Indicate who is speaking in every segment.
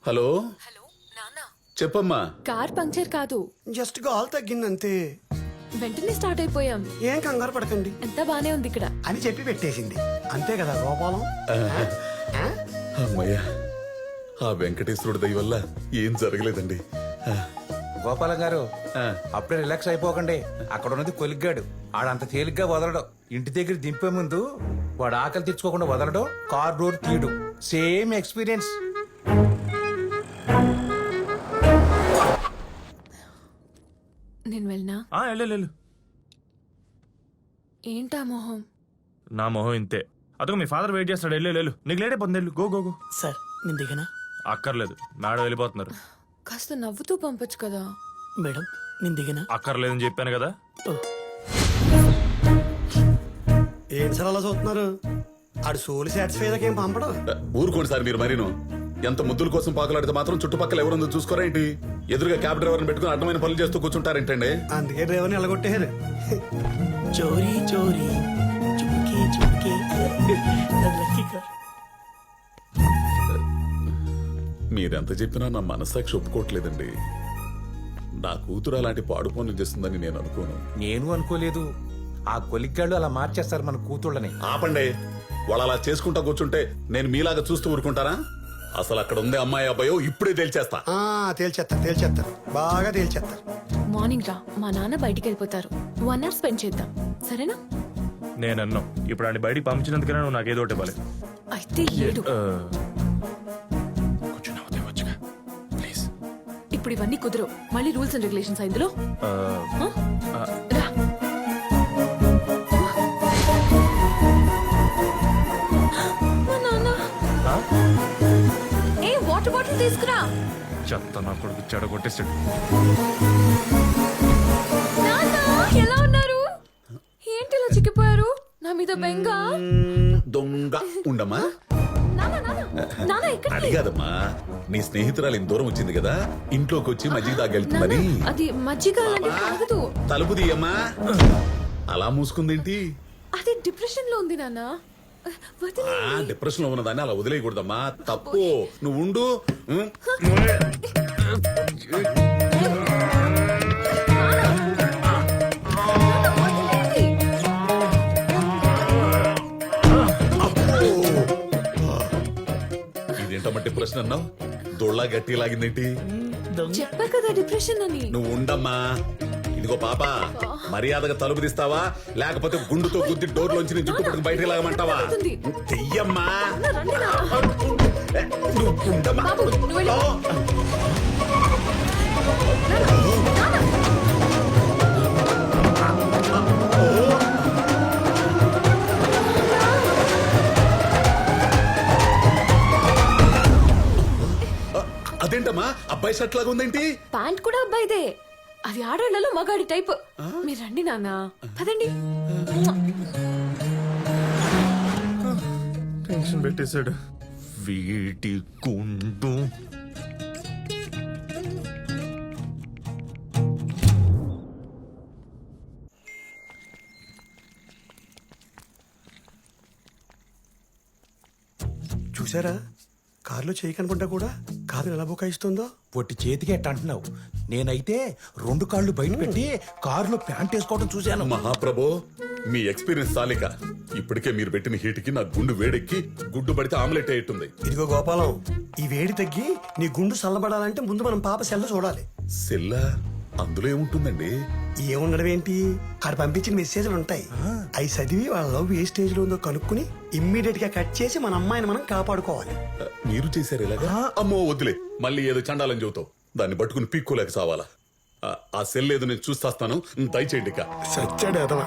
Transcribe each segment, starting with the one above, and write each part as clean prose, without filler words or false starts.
Speaker 1: Hello
Speaker 2: hello నాన్న,
Speaker 1: చెప్పమ్మా.
Speaker 2: Car puncture కాదు,
Speaker 3: జస్ట్ గాల్ తగ్గిందంతే.
Speaker 2: వెంటనే స్టార్ట్ అయిపోయాం.
Speaker 3: ఏం కంగారు పడకండి
Speaker 2: ఎంత బానే ఉంది ఇక్కడ.
Speaker 3: అని చెప్పి పెట్టేసింది అంతే కదా గోపాలం.
Speaker 1: అమ్మయ్యా, ఆ వెంకటేశ్వరుడి దయ వల్ల ఏం జరగలేదండి.
Speaker 4: గోపాలం గారు అప్పుడే రిలాక్స్ అయిపోకండి. అక్కడ ఉన్నది కొలిగ్గాడు, ఆడంత తేలిగ్గా వదలడు. ఇంటి దగ్గర దింపే ముందు వాడు ఆకలి తెచ్చుకోకుండా వదలడు, కార్ డోర్ తీయడు. Same experience.
Speaker 2: నేను వెళ్ళనా?
Speaker 5: వెళ్ళు.
Speaker 2: ఏంటా మొహం?
Speaker 5: నా మొహం ఇంతే. అదొక మీ ఫాదర్ వెయిట్ చేస్తాడు. వెళ్ళు, నీకు లేట్ అయిపోతుంది. వెళ్ళు, గో గో గో.
Speaker 3: సార్ నేను దిగనా?
Speaker 5: అక్కర్లేదు, మేడం వెళ్ళిపోతున్నారు.
Speaker 2: కాస్త నవ్వుతూ పంపొచ్చు కదా.
Speaker 3: మేడం నేను దిగనా?
Speaker 5: అక్కర్లేదని చెప్పాను కదా.
Speaker 3: ఏం సార్ అలా చూస్తున్నారు? ఆడు సోల్ సాటిస్ఫై అయ్యాక ఏం పంపడం.
Speaker 1: ఊరుకోండి సార్ మీరు మరీను. ఎంత ముద్దుల కోసం పాకులాడితే మాత్రం చుట్టుపక్కల ఎవరుందో చూసుకోరా ఏంటి? ఎదురుగా క్యాబ్ డ్రైవర్ని పెట్టుకుని అడ్డమైన పనులు చేస్తూ కూర్చుంటారేంటండి?
Speaker 3: అందుకే డ్రైవర్ని ఎలగొట్టేశారు. చోరీ చోరీ చుమ్కే చుమ్కే
Speaker 1: మీరెంత చెప్పినా నా మనస్సాక్షి ఒప్పుకోవట్లేదండి. నా కూతురు అలాంటి పాడు పనులు చేస్తుందని నేను అనుకోను.
Speaker 4: నేను అనుకోలేదు. ఆ కొలిగ్గాళ్ళు అలా మార్చేస్తారు మన కూతుళ్ళని.
Speaker 1: ఆపండి. వాళ్ళు అలా చేసుకుంటా కూర్చుంటే నేను మీలాగా చూస్తూ ఊరుకుంటారా? అసలు అక్కడ ఉందే అమ్మాయి అబ్బాయో ఇప్పుడే తేల్చేస్తా.
Speaker 3: తేల్చేస్తారు బాగా తేల్చేస్తారు.
Speaker 2: మార్నింగ్ రా, మా నాన్న బయటికి వెళ్ళిపోతారు. 1 hour స్పెండ్ చేద్దాం, సరేనా?
Speaker 5: నేను అన్నాం, ఇప్పుడు ఆయన బయటికి పంపించినందుకైనా నువ్వు నాకు ఏదో ఒకటి ఇవ్వాలి.
Speaker 2: అయితే ఏడు.
Speaker 5: కొంచెం నవ్వుతే వచ్చుగా ప్లీజ్.
Speaker 2: ఇప్పుడు ఇవన్నీ కుదరవు. మళ్ళీ రూల్స్ అండ్ రెగ్యులేషన్స్ ఇందులో. రా. మా నాన్న. ఏ వాటర్ బాటిల్ తీసుకురా.
Speaker 5: చెత్త నా కొడుకు చెడ కొట్టేసాడు.
Speaker 2: నాన్న ఎలా ఉన్నారు? ఏంటి ఇలా చిక్కిపోయారు? నా మీద బెంగ.
Speaker 1: దొంగ ఉండమ్మా.
Speaker 2: నాన్న నాన్న నాన్న ఎక్కడికి?
Speaker 1: అది కాదమ్మా, నీ స్నేహితురాలు ఇంత దూరం వచ్చింది కదా, ఇంట్లోకి వచ్చి మజ్జిగ తాగెళ్తుందని.
Speaker 2: నాన్న, అది మజ్జిగ అలాంటి తాగదు.
Speaker 1: తలుపు తీయమ్మా. అలా మూసుకుందేంటి?
Speaker 2: అది డిప్రెషన్ లో ఉంది నాన్న. వదిలేయ్.
Speaker 1: డిప్రెషన్ లో ఉన్నదాన్ని అలా వదిలేయకూడదమ్మా, తప్పు. నువ్వు ఉండు. ఇదేంటమ్మా డిప్రెషన్ అన్నావు? దొళ్ళ గట్టి లాగిందేంటి?
Speaker 2: చెప్పా కదా డిప్రెషన్ అని.
Speaker 1: నువ్వు ఉండమ్మా. ఇదిగో పాప, మర్యాదగా తలుపు తీస్తావా లేకపోతే గుండుతో గుద్ది డోర్లోంచి జుట్టు పట్టుకు బయటకు లాగమంటావా? చెయ్యమ్మా.
Speaker 2: రండి నాన్న.
Speaker 1: నువ్వు ఉండమ్మా.
Speaker 2: బాబు, నువ్వు వెళ్ళు.
Speaker 1: అదేంటమ్మా అబ్బాయి షర్ట్ లాగా ఉందేంటి?
Speaker 2: ప్యాంట్ కూడా అబ్బాయిదే. అది ఆడవాళ్ళలో మగాడి టైప్. మీరు రండి నాన్న, పదండి.
Speaker 5: టెన్షన్ పెట్టేశాడు వీటి గుండు.
Speaker 3: చూసారా, కారులో చేయి కనుకుంటా కూడా కారు ఎలా బుకాయిస్తుందో.
Speaker 4: పొట్టి చేతికి ఎట్ట అంటున్నావు? నేనైతే 2 కాళ్ళు బయట పెట్టి కారులో ప్యాంట్ వేసుకోవడం చూశాను.
Speaker 1: మహాప్రభో, మీ ఎక్స్పీరియన్స్ చాలిక. ఇప్పటికే మీరు పెట్టిన హీట్కి నా గుండు వేడెక్కి గుడ్డు పడితే ఆమ్లెట్ అయ్యేట్టుంది.
Speaker 3: ఇదిగో గోపాలం, ఈ వేడి తగ్గి నీ గుండు చల్లబడాలంటే ముందు మనం పాప సెల్ల చూడాలి.
Speaker 1: సెల్లా? అందులో ఏముంటుందండి?
Speaker 3: ఏముండడం ఏంటి, ఆడ పంపించిన మెసేజ్లు ఉంటాయి. అవి చదివి వాళ్ళ లవ్ ఏ స్టేజ్ లో ఉందో కనుక్కుని ఇమ్మీడియట్ గా కట్ చేసి మన అమ్మాయిని మనం కాపాడుకోవాలి.
Speaker 1: మీరు చేశారు ఇలాగా? అమ్మో వద్దులే, మళ్ళీ ఏదో చండాలని చెబుతావు. దాన్ని పట్టుకుని పీక్కోలేక సావాలా? ఆ సెల్ ఏదో నేను చూస్తాను, దయచేయండి. ఇక
Speaker 3: సచ్చాడు అదవా.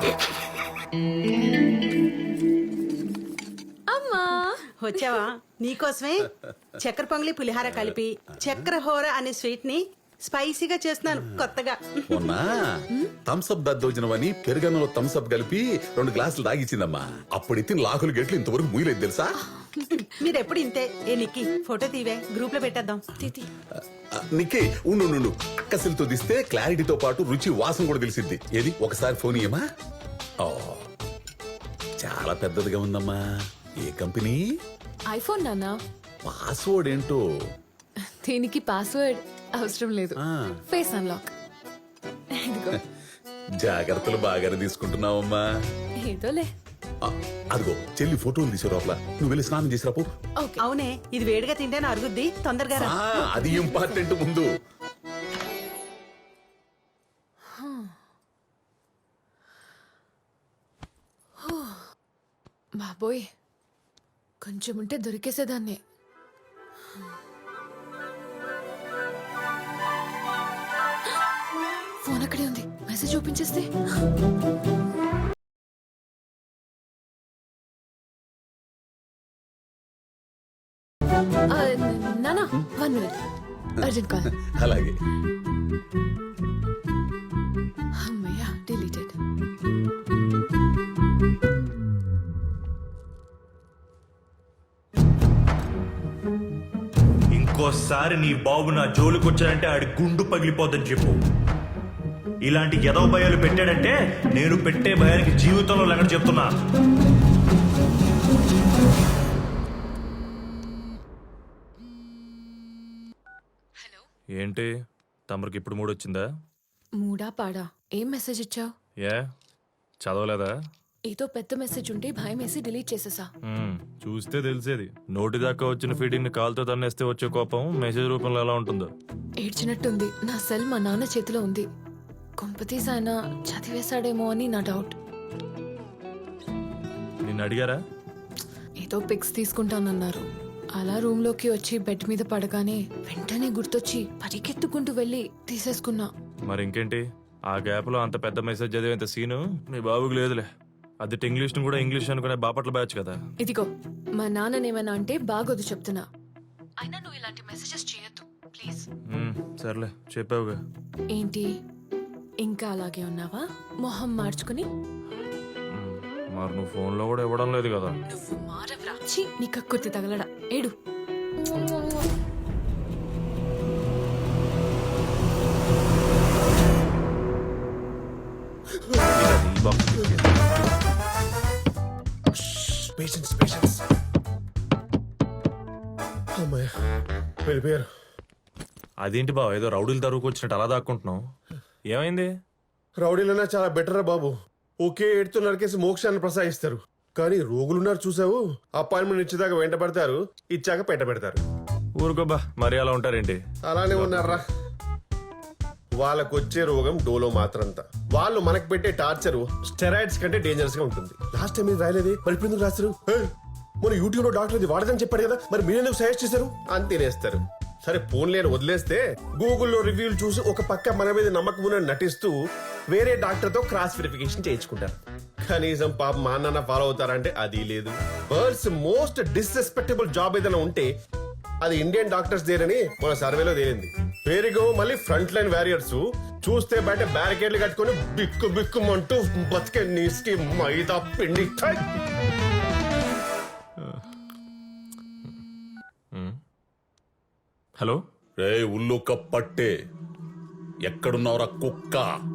Speaker 2: అమ్మా
Speaker 6: వచ్చావా? నీకోసమే చక్కెర పొంగలి పులిహార కలిపి చక్కెర హోర అనే స్వీట్ ని స్పైసీగా చేస్తున్నాను కొత్తగా.
Speaker 1: మొన్న థమ్స్అప్ దద్దోజనమని పెరుగన్నంలో థమ్స్అప్ కలిపి 2 గ్లాసులు తాగిచ్చిందమ్మా. అప్పుడైతే లాకులు గెట్లు ఇంతవరకు మూయలేదు తెలుసా?
Speaker 6: మీరెప్పుడు ఇంతే. ఏ నిక్కి, ఫోటో తీవే, గ్రూప్ లో పెట్టేద్దాం.
Speaker 1: నిక్కి ఉండు. అక్కసిలతో తీస్తే క్లారిటీతో పాటు రుచి వాసన కూడా తెలిసిద్ది. ఏది ఒకసారి ఫోన్ ఇయ్యమా? చాలా పెద్దదిగా ఉందమ్మా. ఏ కంపెనీ?
Speaker 2: ఐఫోన్ నాన్న.
Speaker 1: పాస్వర్డ్ ఏంటో
Speaker 2: దీనికి పాస్వర్డ్ అవసరం లేదు, ఫేస్ అన్లాక్. ఇదిగో.
Speaker 1: జాగ్రత్తలు బాగానే తీసుకుంటున్నావమ్మా.
Speaker 2: ఏదోలే.
Speaker 1: ఆ, అదిగో చెల్లి ఫోటోలు తీసే లోపల నువ్వు వెళ్ళి స్నానం చేసి రాపో.
Speaker 2: ఓకే.
Speaker 6: అవునే, ఇది వేడిగా తింటేనే అరుగుద్ది, తొందరగా రా.
Speaker 1: అది ఇంపార్టెంట్ ముందు.
Speaker 2: బాబోయ్, కొంచెం ఉంటే దొరికేసేదాన్ని. ఫోన్ అక్కడే ఉంది, మెసేజ్ ఓపెన్ చేస్తే. నానా 1 minute, అర్జెంట్ కాల్.
Speaker 1: అలాగే.
Speaker 2: అమ్మయ్యా, డిలీటెడ్.
Speaker 5: ఇంకోసారి నీ బాబు నా జోలికొచ్చాడంటే ఆడి గుండు పగిలిపోద్దని చెప్పు. ఇలాంటి ఎదవ భయాలు పెట్టాడంటే నేను పెట్టే భయానికి జీవితంలో లెక్క చెప్తున్నా. ఏంటి తమరికి ఇప్పుడు మూడొచ్చిందా?
Speaker 2: మూడా పాడా? ఏం మెసేజ్ ఇచ్చావు?
Speaker 5: ఏ చదవలేదా?
Speaker 2: ఏదో పెద్ద మెసేజ్ ఉంటే భయం వేసి డిలీట్ చేసేసా.
Speaker 5: చూస్తే తెలిసేది. నోటి దాకా వచ్చిన ఫీడింగ్ ని కాలుతో తన్నేస్తే వచ్చే కోపం మెసేజ్ రూపంలో ఎలా ఉంటుందో.
Speaker 2: ఏడ్చినట్టుంది. నా సెల్ మా నాన్న చేతిలో ఉంది. కొంపతీసి ఆయన చదివేశాడేమో అని నా డౌట్.
Speaker 5: నిన్ను అడిగారా?
Speaker 2: ఏదో పిక్స్ తీసుకుంటానన్నారు. అలా రూమ్ లోకి వచ్చి బెడ్ మీద పడగానే వెంటనే గుర్తొచ్చి పరిగెత్తుకుంటూ వెళ్ళి తీసేసుకున్నా.
Speaker 5: మరి ఇంకేంటి, ఆ గ్యాప్ లో అంత పెద్ద మెసేజ్ చదివేంత సీను మీ బాబుకి లేదులే. అది ఇంగ్లీష్ ను కూడా ఇంగ్లీష్ అనుకునే బాపట్ల బ్యాచ్ కదా.
Speaker 2: ఇదిగో, మా నాన్ననేమన్నా అంటే బాగోదు చెప్తున్నా. అయినా నువ్వు ఇలాంటి మెసేజెస్ చేయొద్దు ప్లీజ్.
Speaker 5: సర్లే చెప్పావుగా.
Speaker 2: ఏంటి ఇంకా అలాగే ఉన్నావా మొహం మార్చుకుని?
Speaker 5: మరి నువ్వు ఫోన్ లో కూడా ఇవ్వడం లేదు కదా.
Speaker 2: నువ్వు మారవ్రా. ఛీ, నీ కక్కుర్తి తగలడా. ఏడు.
Speaker 7: Patience patience. అమ్మాయి వెళ్ళిపోయారు.
Speaker 5: అదేంటి బావ, ఏదో రౌడీలు తరువుకు వచ్చినట్టు అలా దాక్కుంటున్నావు? ఏమైంది?
Speaker 7: రౌడీలన్నా చాలా బెటర్ రా బాబు. ఒకే ఏడుతో నరికేసి మోక్షాన్ని ప్రసాదిస్తారు. కానీ రోగులున్నారు చూసావు, అపాయింట్మెంట్ ఇచ్చేదాకా వెంట పడతారు, ఇచ్చాక పెట్ట పెడతారు.
Speaker 5: ఊరుకోబ్బా, మరి అలా ఉంటారేంటి?
Speaker 7: అలానే ఉన్నారా. వాళ్ళకు వచ్చే రోగం డోలో మాత్రంతా. వాళ్ళు మనకు పెట్టే టార్చర్ స్టెరాయిడ్స్ కంటే డేంజరస్ గా ఉంటుంది. లాస్ట్ టైం మీరు రాయలేదే, మరి ఇప్పుడు ఎందుకు రాస్తారు? మన యూట్యూబ్ లో డాక్టర్ ఇది వాడదని చెప్పాడు కదా, మరి మీరెందుకు సజెస్ట్ చేశారు అని తినేస్తారు. సరే ఫోన్ లేని వదిలేస్తే గూగుల్లో రివ్యూలు చూసి ఒక పక్క మన మీద నమ్మకం ఉన్నట్టు నటిస్తూ వేరే డాక్టర్ తో క్రాస్ వెరిఫికేషన్ చేయించుకుంటారు. కనీసం పాప మా నాన్న ఫాలో అవుతారంటే అది లేదు. వరల్డ్స్ మోస్ట్ డిస్రెస్పెక్టబుల్ జాబ్ ఏదైనా ఉంటే అది ఇండియన్ డాక్టర్స్ దేనని మన సర్వేలో తేలింది. పేరుగో మళ్ళీ ఫ్రంట్ లైన్ వారియర్స్ చూస్తే బయట బ్యారికేడ్లు కట్టుకుని బిక్కు బిక్కుమంటూ బతికే నీస్కి మైదా పిండి.
Speaker 5: హలో
Speaker 1: రే ఉల్లుక పట్టే, ఎక్కడున్నావురా కుక్క?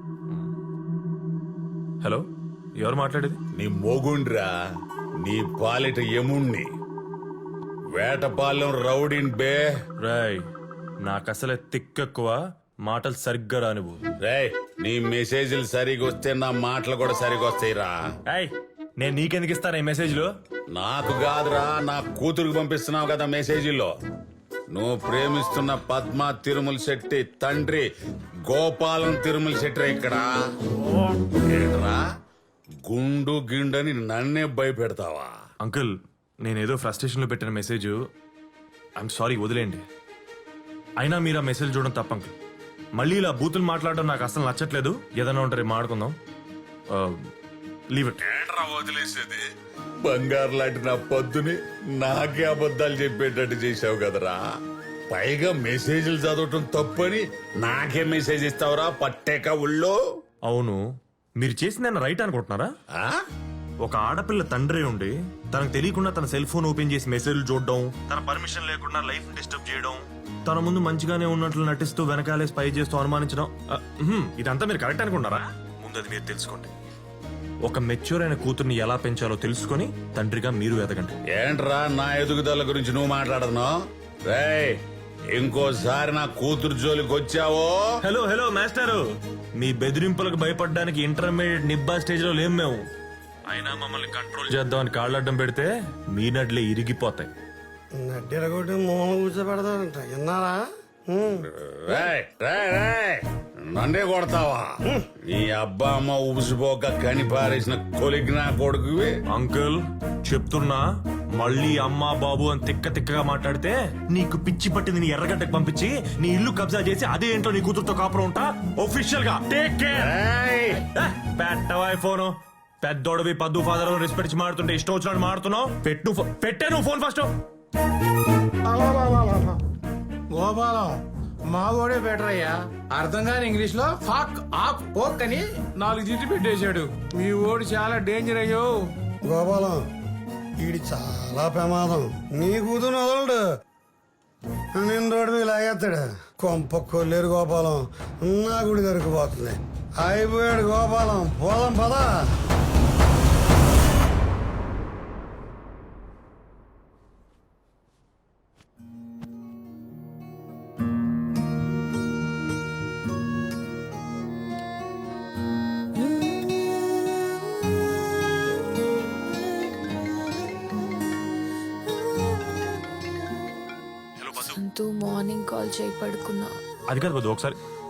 Speaker 5: హలో, ఎవరు మాట్లాడేది?
Speaker 1: నీ మోగుండ్రా, నీ పాలిట యముణ్ణి, వేటపాలెం రౌడీన్ బే.
Speaker 5: రాయ్, నాకు అసలే తిక్కెక్కువ, మాటలు సరిగ్గా రానివ్వు.
Speaker 1: రేయ్, నీ మెసేజ్లు సరిగా వస్తే నా మాటలు కూడా సరిగా వస్తాయిరా.
Speaker 5: ఏయ్, నేను నీకెందుకు ఇస్తాను ఈ మెసేజ్లు?
Speaker 1: నాకు కాదురా, నా కూతురుకు పంపిస్తున్నావు కదా మెసేజీలో. నువ్వు ప్రేమిస్తున్న పద్మ తిరుమల శెట్టి తండ్రి గోపాలం తిరుమల శెట్టి ఇక్కడ ఏంట్రా గుండు గిండని నన్నే భయపెడతావా?
Speaker 5: అంకుల్, నేనేదో ఫ్రస్ట్రేషన్లో పెట్టిన మెసేజ్. ఐఎమ్ సారీ, వదిలేండి. అయినా మీరు ఆ మెసేజ్ చూడడం తప్ప అంకుల్. మళ్ళీ ఇలా బూతులు మాట్లాడడం నాకు అసలు నచ్చట్లేదు. ఏదైనా ఉంటారు మాట్లాడుకుందాం. Leave it.
Speaker 1: ఏంట్రా వదిలేసేది? బంగారు లాంటి నా పొద్దుని నాకే అబద్ధాలు చెప్పేటట్టు చేసావు కదరా. పైగా మెసేజ్లు చదవటం తప్పని నాకే మెసేజ్ ఇస్తావురా పట్టేక ఉళ్ళో.
Speaker 5: అవును, మీరు చేసింది రైట్ అనుకుంటున్నారా?
Speaker 1: ఆ?
Speaker 5: ఒక ఆడపిల్ల తండ్రి ఉండి తనకు తెలియకుండా తన సెల్ ఫోన్ ఓపెన్ చేసి మెసేజ్లు చూడడం, తన పర్మిషన్ లేకుండా లైఫ్ డిస్టర్బ్ చేయడం, తన ముందు మంచిగానే ఉన్నట్లు నటిస్తూ వెనకాలే స్పై చేస్తూ అనుమానించడం, ఇదంతా మీరు కరెక్ట్ అనుకుంటారా? ముందు అది మీరు తెలుసుకోండి. ఒక మెచ్యూర్ అయిన కూతుర్ని ఎలా పెంచాలో తెలుసుకొని తండ్రిగా మీరు ఎదగండి.
Speaker 1: ఏంట్రా నా ఎదుగుదల గురించి నువ్వు మాట్లాడదును? రేయ్, ఇంకోసారి నా కూతురు జోలికి వచ్చావో
Speaker 5: హలో హలో మాస్టారు, మీ బెదిరింపులకు భయపడడానికి ఇంటర్మీడియట్ నిబ్బా స్టేజ్ లో లేం మేము. అయినా మమ్మల్ని కంట్రోల్ చేద్దామని కాళ్ళడ్డం పెడితే మీ నడ్లే ఇరిగిపోతాయి.
Speaker 3: నడ్డెరగొట్టి మూల కూర్చోబెడతారంట విన్నారా?
Speaker 1: రేయ్, రేయ్, రేయ్, నన్నే కొడతావా? నీ అబ్బా అమ్మ ఉబిసిపోక కని పారేసిన కొలిగ్నా కొడుకువి.
Speaker 5: అంకుల్ చెప్తున్నా, మళ్ళీ అమ్మా బాబు అని తిక్క తిక్కగా మాట్లాడితే నీకు పిచ్చి పట్టింది నీ ఎర్రగడ్డకు పంపించి నీ ఇల్లు కబ్జా చేసి అదే ఏంటో నీ కూతురుతో కాపురం ఉంటా. ఒఫిషియల్ గా టేక్ కేర్.
Speaker 1: రేయ్,
Speaker 5: పెట్టవాయి ఫోను. పెద్దోడవి పద్దు ఫాదర్ రెస్పెక్ట్ ఇచ్చి మాడుతుంటే ఇష్టం వచ్చినట్టు మాడుతున్నావు. పెట్టే నువ్వు ఫోన్ ఫస్ట్.
Speaker 4: గోపాలం మావోడే బెటర్ అయ్యా. అర్థం కాని ఇంగ్లీష్ లో ఫాక్ ఆక్ పోక్ అని 4 జిట్లు పెట్టేశాడు. మీ ఓడి చాలా డేంజర్ అయ్యో.
Speaker 3: గోపాలం ఈడి చాలా ప్రమాదం. నీ కూతురు వదలడు, నేను రోడ్డు మీద లాగేస్తాడు. కొంప కొల్లేరు గోపాలం, నా గుడి దొరికిపోతుంది. అయిపోయాడు గోపాలం, పోదాం పదా.
Speaker 2: సంతూ మార్నింగ్ కాల్ చేయి పడుకున్నా.
Speaker 5: అది కాదు వద్దు, ఒకసారి